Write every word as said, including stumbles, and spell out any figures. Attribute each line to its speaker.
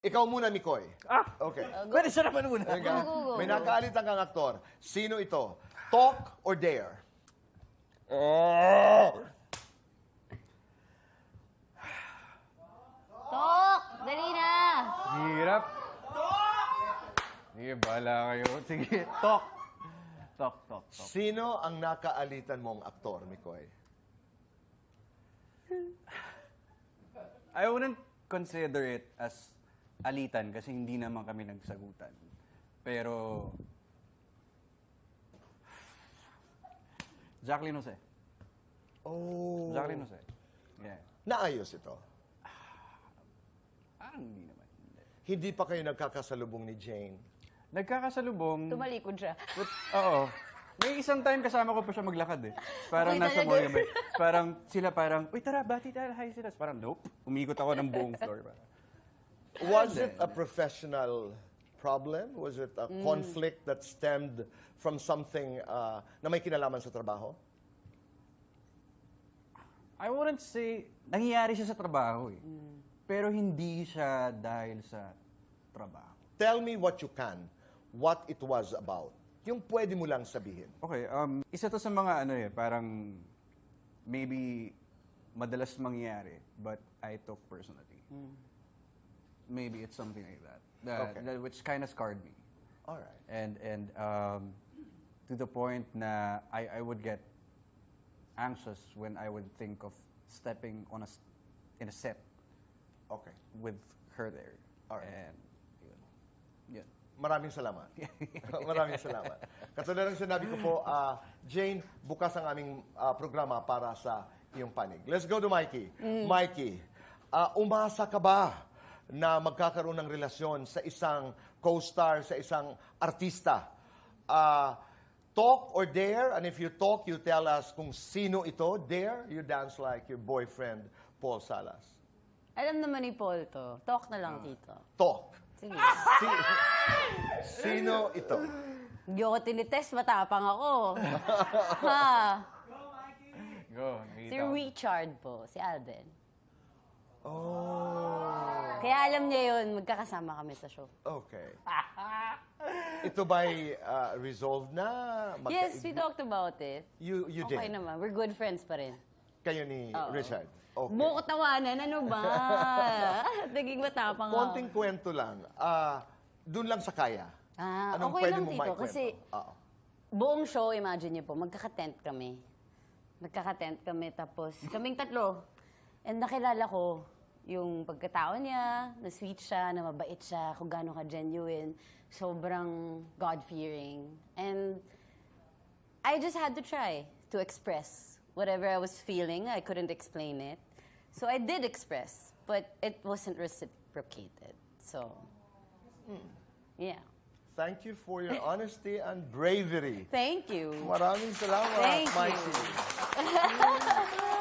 Speaker 1: Ikaw muna, Mikoy.
Speaker 2: Ah!
Speaker 1: Okay.
Speaker 2: Pwede siya naman muna.
Speaker 1: Teka,
Speaker 3: Go, go, go.
Speaker 1: May nakaalitan kang aktor. Sino ito? Talk or dare?
Speaker 2: Oh!
Speaker 3: Tok! Dali na!
Speaker 2: Hirap. Sige, bahala kayo. Sige, talk. Talk, talk, talk.
Speaker 1: Sino ang nakaalitan mong aktor, Mikoy?
Speaker 2: I wouldn't consider it as alitan kasi hindi naman kami nagsagutan. Pero... Jacqueline Jose.
Speaker 1: Oh.
Speaker 2: Jacqueline Jose. Yeah.
Speaker 1: Naayos ito.
Speaker 2: Parang hindi naman. Hindi.
Speaker 1: Hindi pa kayo nagkakasalubong ni Jane.
Speaker 2: Nagkakasalubong...
Speaker 3: Tumalikod siya.
Speaker 2: But, oo. May isang time kasama ko pa siya maglakad eh. Parang
Speaker 3: Okay,
Speaker 2: nasa
Speaker 3: talaga.
Speaker 2: mall kami. Parang sila parang, uy tara, bati tayo, hi sila. Parang nope. Umikot ako ng buong floor. Parang.
Speaker 1: Was it a professional problem? Was it a conflict that stemmed from something uh, na may kinalaman sa trabaho?
Speaker 2: I wouldn't say, nangyayari siya sa trabaho eh. Pero hindi siya dahil sa trabaho.
Speaker 1: Tell me what you can, what it was about. Yung pwede mo lang sabihin.
Speaker 2: Okay, um, isa to sa mga ano eh, parang maybe madalas mangyayari, but I took personally. Maybe it's something like that, that,
Speaker 1: Okay.
Speaker 2: that which kind of scarred me.
Speaker 1: All right.
Speaker 2: And and um, to the point na I, I would get anxious when I would think of stepping on a s- in a set
Speaker 1: Okay.
Speaker 2: with her there.
Speaker 1: Alright.
Speaker 2: And yun. Yun.
Speaker 1: Maraming salamat. Maraming salamat. Katulad ng sinabi ko po, ah, Jane, bukas ang aming ah, programa para sa iyong panig. Let's go to Mikey. Mikey, ah, umasa ka ba na magkakaroon ng relasyon sa isang co-star, sa isang artista? Ah, talk or dare? And if you talk, you tell us kung sino ito. Dare, you dance like your boyfriend, Paul Salas.
Speaker 3: Alam naman ni Paul to. Talk na lang, Tito.
Speaker 1: Talk.
Speaker 3: Sige.
Speaker 1: Si- sino ito?
Speaker 3: Hindi ako tinitest, matapang ako. ha?
Speaker 2: Go,
Speaker 3: Si
Speaker 2: nakita ko.
Speaker 3: Richard po, si Alden.
Speaker 1: Oh.
Speaker 3: Kaya alam niya yun, magkakasama kami sa show.
Speaker 1: Okay. Ito ba'y uh, resolved na? Magka-
Speaker 3: Yes, we talked about it.
Speaker 1: You, you
Speaker 3: Okay
Speaker 1: did?
Speaker 3: naman, we're good friends pa rin.
Speaker 1: Kayo ni
Speaker 3: Oo.
Speaker 1: Richard? Okay.
Speaker 3: Buko tawanan, ano ba? Naging matapang ako.
Speaker 1: Konting kwento lang. Ah, doon lang sa kaya.
Speaker 3: Ah,
Speaker 1: Anong
Speaker 3: okay
Speaker 1: pwede
Speaker 3: lang,
Speaker 1: mong
Speaker 3: Tito,
Speaker 1: maikwento?
Speaker 3: kasi
Speaker 1: Oo.
Speaker 3: buong show, imagine niyo po, magkaka-tent kami. Magkaka-tent kami, tapos kaming tatlo. And nakilala ko yung pagkatao niya, na sweet siya, na mabait siya, kung gaano ka-genuine, sobrang God-fearing. And I just had to try to express whatever I was feeling. I couldn't explain it. So I did express, but it wasn't reciprocated. So, yeah.
Speaker 1: Thank you for your honesty and bravery.
Speaker 3: Thank you.
Speaker 1: Maraming salamat,
Speaker 3: Thank you.
Speaker 1: Mikey.